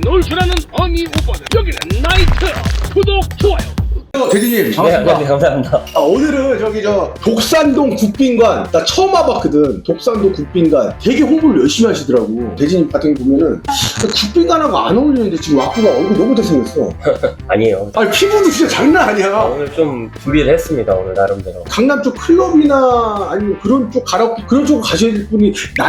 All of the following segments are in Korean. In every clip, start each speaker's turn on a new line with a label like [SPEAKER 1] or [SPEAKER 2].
[SPEAKER 1] 놀수라는 어미 오빠들 여기는 나이트 구독 좋아요.
[SPEAKER 2] 대리님 반갑습니다.
[SPEAKER 3] 네, 감사합니다.
[SPEAKER 2] 오늘은 저기 독산동 국빈관 나 처음 와봤거든. 독산동 국빈관 되게 홍보를 열심히 하시더라고. 대리님 같은 거 보면은 국빈관하고 안 어울리는데 지금 와꾸가 얼굴 너무 잘생겼어.
[SPEAKER 3] 아니에요.
[SPEAKER 2] 아니 피부도 진짜 장난 아니야.
[SPEAKER 3] 오늘 좀 준비를 했습니다. 오늘 나름대로.
[SPEAKER 2] 강남 쪽 클럽이나 아니면 그런 쪽 가라오케 그런 쪽 가셔야 될 분이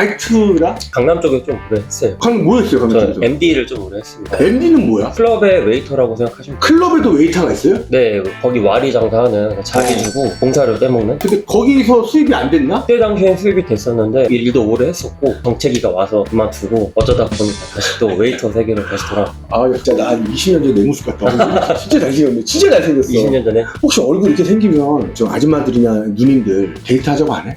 [SPEAKER 2] 나이트라?
[SPEAKER 3] 강남 쪽에 좀 오래 했어요.
[SPEAKER 2] 강남 뭐였어요 강남
[SPEAKER 3] 저
[SPEAKER 2] 쪽에서?
[SPEAKER 3] MD를 좀 오래 했습니다.
[SPEAKER 2] MD는 뭐야?
[SPEAKER 3] 클럽의 웨이터라고 생각하시면 돼요.
[SPEAKER 2] 클럽에도 웨이터가 있어요?
[SPEAKER 3] 네, 거기 와리 장사하는 자기 주고 봉사료 떼먹는.
[SPEAKER 2] 근데 거기서 수입이 안 됐나?
[SPEAKER 3] 그때 당시엔 수입이 됐었는데 일도 오래 했었고 정체기가 와서 그만두고 어쩌다 보니까 다시 또 웨이터 세계로 다시 돌아.
[SPEAKER 2] 아 진짜 나 20년 전에 내 모습 같다. 진짜 잘생겼네. 진짜 잘생겼어.
[SPEAKER 3] 20년 전에
[SPEAKER 2] 혹시 얼굴 이렇게 생기면 저 아줌마들이나 누님들 데이트하자고 안 해?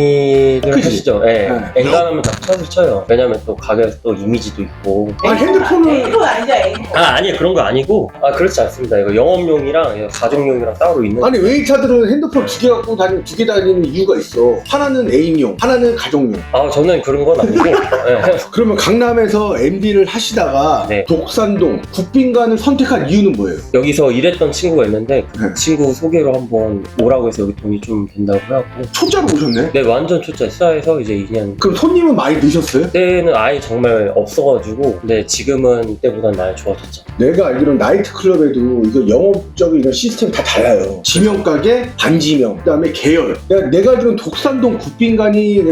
[SPEAKER 3] 많이들
[SPEAKER 2] 그치?
[SPEAKER 3] 하시죠. 예.
[SPEAKER 2] 네.
[SPEAKER 3] 엔간하면 다 샷을 쳐요. 왜냐면 또 가게에서 또 이미지도 있고.
[SPEAKER 2] 아 핸드폰을
[SPEAKER 4] 그건 아니죠, 애인.
[SPEAKER 3] 아니요, 그런 거 아니고. 그렇지 않습니다. 이거 영업용이랑 가정용이랑 따로 있는.
[SPEAKER 2] 아니 웨이터들은 핸드폰 두 개 갖고 다니는 두 개 다니는 이유가 있어. 하나는 애인용, 하나는 가정용.
[SPEAKER 3] 저는 그런 건 아니고. 네.
[SPEAKER 2] 그러면 강남에서 MD를 하시다가
[SPEAKER 3] 네.
[SPEAKER 2] 독산동 국빈관을 선택한 이유는 뭐예요?
[SPEAKER 3] 여기서 일했던 친구가 있는데 그
[SPEAKER 2] 네.
[SPEAKER 3] 친구 소개로 한번 오라고 해서 여기 돈이 좀 된다고 해갖고.
[SPEAKER 2] 초짜로 오셨네?
[SPEAKER 3] 네, 완전 초짜. 시사에서 이제 2년.
[SPEAKER 2] 그럼 손님은 많이 드셨어요?
[SPEAKER 3] 그때는 아예 정말 없어가지고. 근데 지금은 이때보단 많이 좋아졌죠.
[SPEAKER 2] 내가 알기로는 나이트클럽에도 이거 영업적인 이런 시스템이 다 달라요. 지명가게, 반지명, 그 다음에 계열. 내가 알기로는 독산동 국빈관이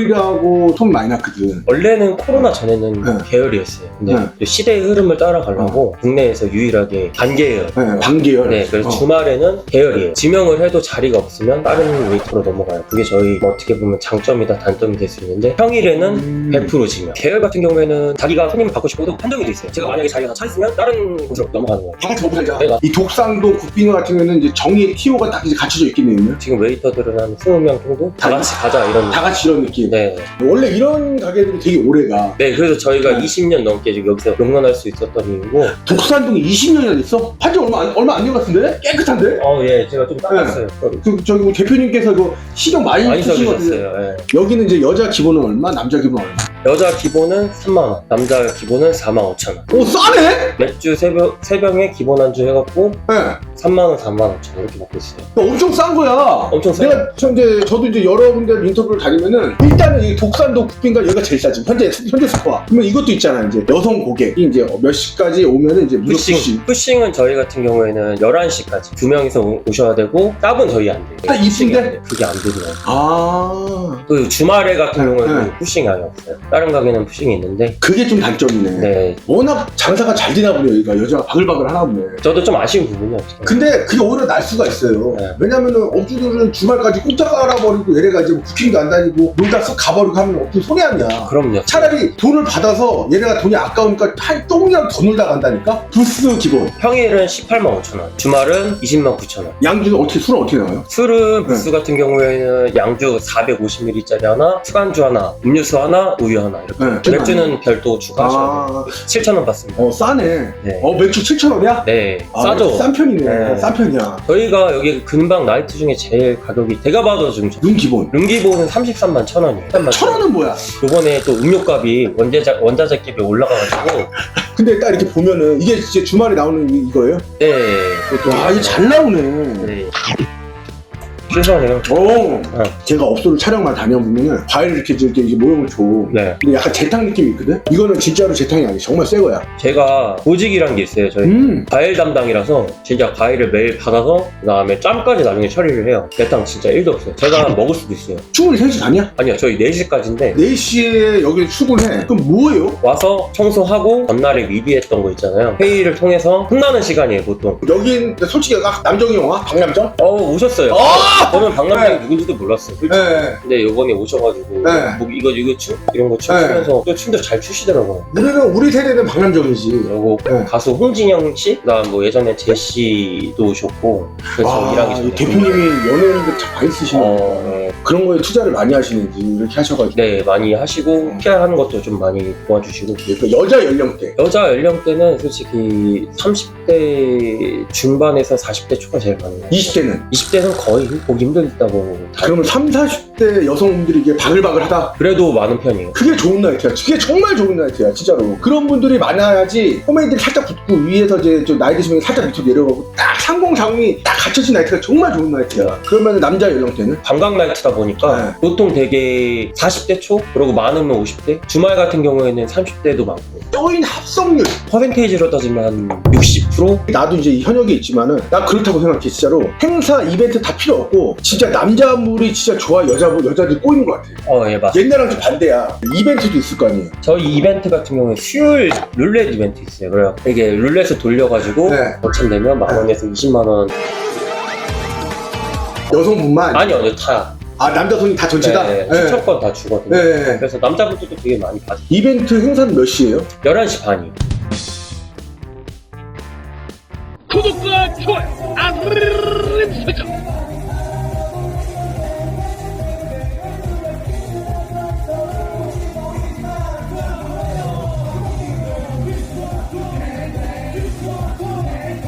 [SPEAKER 2] 계열이라고 소문 많이 났거든.
[SPEAKER 3] 원래는 코로나 전에는
[SPEAKER 2] 네.
[SPEAKER 3] 계열이었어요. 근데
[SPEAKER 2] 네.
[SPEAKER 3] 또 시대의 흐름을 따라가려고 국내에서 유일하게 반계열.
[SPEAKER 2] 네, 반계열.
[SPEAKER 3] 네, 그래서 주말에는 계열이에요. 지명을 해도 자리가 없으면 다른 웨이터로 넘어가요. 그게 저희 뭐 어떻게 보면 장점이다 단점이 될 수 있는데 평일에는 100% 지명. 계열 같은 경우에는 자기가 손님을 받고 싶어도 한정이 돼 있어요. 제가 만약에 자리가 차 있으면 다른 곳으로 넘어가는 거예요.
[SPEAKER 2] 다 같이 먹고 살자.
[SPEAKER 3] 네,
[SPEAKER 2] 이 독산동 국빈관 같은 경우는 이제 정의의 TO가 딱 이제 갖춰져 있겠네요.
[SPEAKER 3] 지금 웨이터들은 한 20명 정도 다 같이 가자 이런.
[SPEAKER 2] 다 같이 이런 느낌.
[SPEAKER 3] 네.
[SPEAKER 2] 원래 이런 가게들이 되게 오래가.
[SPEAKER 3] 네, 그래서 저희가
[SPEAKER 2] 네.
[SPEAKER 3] 20년 넘게 지금 여기서 용런할 수 있었던 이유고.
[SPEAKER 2] 독산동이 20년이나 됐어? 한지 얼마 안 된 것 같은데? 깨끗한데?
[SPEAKER 3] 예, 제가 좀 닦았어요.
[SPEAKER 2] 저기 우리 대표님께서 이거 신경 많이 쓰신 것 같은데.
[SPEAKER 3] 써주셨어요. 예.
[SPEAKER 2] 여기는 이제 여자 기본은 얼마? 남자 기본은 얼마?
[SPEAKER 3] 여자 기본은 3만원, 남자 기본은 45,000원.
[SPEAKER 2] 오 싸네?
[SPEAKER 3] 맥주 3병에 기본 안주 해갖고
[SPEAKER 2] 네.
[SPEAKER 3] 3만원, 45,000원 이렇게 먹고 있어요.
[SPEAKER 2] 엄청 싼 거야.
[SPEAKER 3] 엄청 싸요.
[SPEAKER 2] 내가 저도 이제 여러 군데 인터뷰를 다니면은 일단은 이 독산동 국빈관 여기가 제일 싸지. 현재 스코어. 그러면 이것도 있잖아. 이제 여성 고객이 이제 몇 시까지 오면은 이제 무조건 푸싱.
[SPEAKER 3] 푸싱은 저희 같은 경우에는 11시까지 2명이서 오셔야 되고 짭은 저희 안 돼요.
[SPEAKER 2] 아, 이쁜데?
[SPEAKER 3] 그게 안 되더라고요.
[SPEAKER 2] 아.
[SPEAKER 3] 그 주말에 같은
[SPEAKER 2] 네,
[SPEAKER 3] 경우에는
[SPEAKER 2] 네.
[SPEAKER 3] 푸싱이 아예 없어요. 다른 가게는 푸싱이 있는데.
[SPEAKER 2] 그게 좀 단점이네.
[SPEAKER 3] 네.
[SPEAKER 2] 워낙 장사가 잘 되나 보네. 여기가 여자가 바글바글 하나 보네.
[SPEAKER 3] 저도 좀 아쉬운 부분이 없어요.
[SPEAKER 2] 근데 그게 오히려 날 수가 있어요.
[SPEAKER 3] 네.
[SPEAKER 2] 왜냐면은 업주들은 주말까지 꼼짝 깔아버리고 얘네가 이제 부킹도 안 다니고 놀다 쓱 가버리고 하면 업주 손해 아니야.
[SPEAKER 3] 그럼요.
[SPEAKER 2] 차라리 돈을 받아서 얘네가 돈이 아까우니까 조금이라도 더 놀다 간다니까? 부스 기본.
[SPEAKER 3] 평일은 185,000원, 주말은 209,000원.
[SPEAKER 2] 양주는 술은 어떻게 나와요?
[SPEAKER 3] 술은 부스 같은 경우에는 양주 450ml짜리 하나, 술안주 하나, 음료수 하나, 우유 하나 이렇게.
[SPEAKER 2] 네.
[SPEAKER 3] 맥주는 별도 추가하셔야 돼요. 7,000원 받습니다.
[SPEAKER 2] 싸네.
[SPEAKER 3] 네.
[SPEAKER 2] 맥주 7,000원이야?
[SPEAKER 3] 네, 싸죠.
[SPEAKER 2] 싼 편이네.
[SPEAKER 3] 네.
[SPEAKER 2] 싼 편이야.
[SPEAKER 3] 저희가 여기 근방 나이트 중에 제일 가격이 제가 봐도 좀
[SPEAKER 2] 룸 기본.
[SPEAKER 3] 룸기본은 33만 1,000원이에요.
[SPEAKER 2] 1,000원은 뭐야?
[SPEAKER 3] 이번에 또 음료값이 원자재값이 올라가가지고.
[SPEAKER 2] 근데 딱 이렇게 보면은 이게 진짜 주말에 나오는 이거예요?
[SPEAKER 3] 네.
[SPEAKER 2] 와, 이게 잘 나오네.
[SPEAKER 3] 네. 신선해요.
[SPEAKER 2] 오, 제가 업소를 촬영만 다녀보면은 과일 이렇게 모형을 줘.
[SPEAKER 3] 네.
[SPEAKER 2] 근데 약간 재탕 느낌이 있거든? 이거는 진짜로 재탕이 아니야. 정말 새 거야.
[SPEAKER 3] 제가 보직이란 게 있어요. 저희 과일 담당이라서 진짜 과일을 매일 받아서 그다음에 짬까지 나중에 처리를 해요. 대탕 진짜 1도 없어요. 제가 먹을 수도 있어요.
[SPEAKER 2] 출근이 3시 아니야?
[SPEAKER 3] 아니요, 저희 4시까지인데
[SPEAKER 2] 4시에 여기 출근해. 그럼 뭐예요?
[SPEAKER 3] 와서 청소하고 전날에 미비했던 거 있잖아요. 회의를 통해서 혼나는 시간이에요, 보통.
[SPEAKER 2] 여긴 솔직히 남정이 영화? 박남정?
[SPEAKER 3] 오셨어요. 저는 박남정이
[SPEAKER 2] 네.
[SPEAKER 3] 누군지도 몰랐어요. 솔직히.
[SPEAKER 2] 네.
[SPEAKER 3] 근데 요번에 오셔가지고
[SPEAKER 2] 네.
[SPEAKER 3] 뭐 이거 춤? 이런 거 추면서 또 춤도 잘 추시더라고요.
[SPEAKER 2] 우리 세대는 박남정이지.
[SPEAKER 3] 그리고
[SPEAKER 2] 네.
[SPEAKER 3] 가수 홍진영 씨, 그다음 뭐 예전에 제시도 오셨고 그래서 일하기 전에
[SPEAKER 2] 대표님이 연예인들 참 많이 쓰시는
[SPEAKER 3] 네.
[SPEAKER 2] 그런 거에 투자를 많이 하시는지 이렇게 하셔가지고.
[SPEAKER 3] 네, 많이 하시고 PR 하는 것도 좀 많이 도와주시고.
[SPEAKER 2] 그 여자 연령대.
[SPEAKER 3] 여자 연령대는 솔직히 30대 중반에서 40대 초가 제일 많아요.
[SPEAKER 2] 20대는?
[SPEAKER 3] 20대는 거의 보기 힘들다고.
[SPEAKER 2] 그러면 30, 40 30대 여성분들이 이게 바글바글하다.
[SPEAKER 3] 그래도 많은 편이에요.
[SPEAKER 2] 그게 좋은 나이트야. 그게 정말 좋은 나이트야, 진짜로. 그런 분들이 많아야지 포메이들이 살짝 붙고 위에서 이제 좀 나이 드시면 살짝 밑으로 내려가고 딱 3040이 딱 갖춰진 나이트가 정말 좋은 나이트야. 그러면 남자 연령대는?
[SPEAKER 3] 관광 나이트다 보니까
[SPEAKER 2] 네.
[SPEAKER 3] 보통 되게 40대 초, 그리고 많으면 50대, 주말 같은 경우에는 30대도 많고,
[SPEAKER 2] 조인 합성률.
[SPEAKER 3] 퍼센테이지로 따지면 한 60%?
[SPEAKER 2] 나도 이제 이 현역에 있지만은 나 그렇다고 생각해. 진짜로 행사 이벤트 다 필요 없고 진짜 남자물이 진짜 좋아. 여자들 꼬이는 것 같아.
[SPEAKER 3] 예, 맞아요.
[SPEAKER 2] 옛날랑 좀 반대야. 이벤트도 있을 거 아니에요.
[SPEAKER 3] 저희 이벤트 같은 경우에 수요일 룰렛 이벤트 있어요. 그래요. 이게 룰렛을 돌려가지고
[SPEAKER 2] 네.
[SPEAKER 3] 당첨되면 만 원에서 20만 원.
[SPEAKER 2] 여성분만?
[SPEAKER 3] 아니요, 다.
[SPEAKER 2] 아, 남자 손이 다 전체다?
[SPEAKER 3] 네,
[SPEAKER 2] 네.
[SPEAKER 3] 추천권 다 주거든요.
[SPEAKER 2] 네.
[SPEAKER 3] 그래서 남자분들도 되게 많이 받아요.
[SPEAKER 2] 이벤트 행사는 몇 시예요?
[SPEAKER 3] 11시 반이요.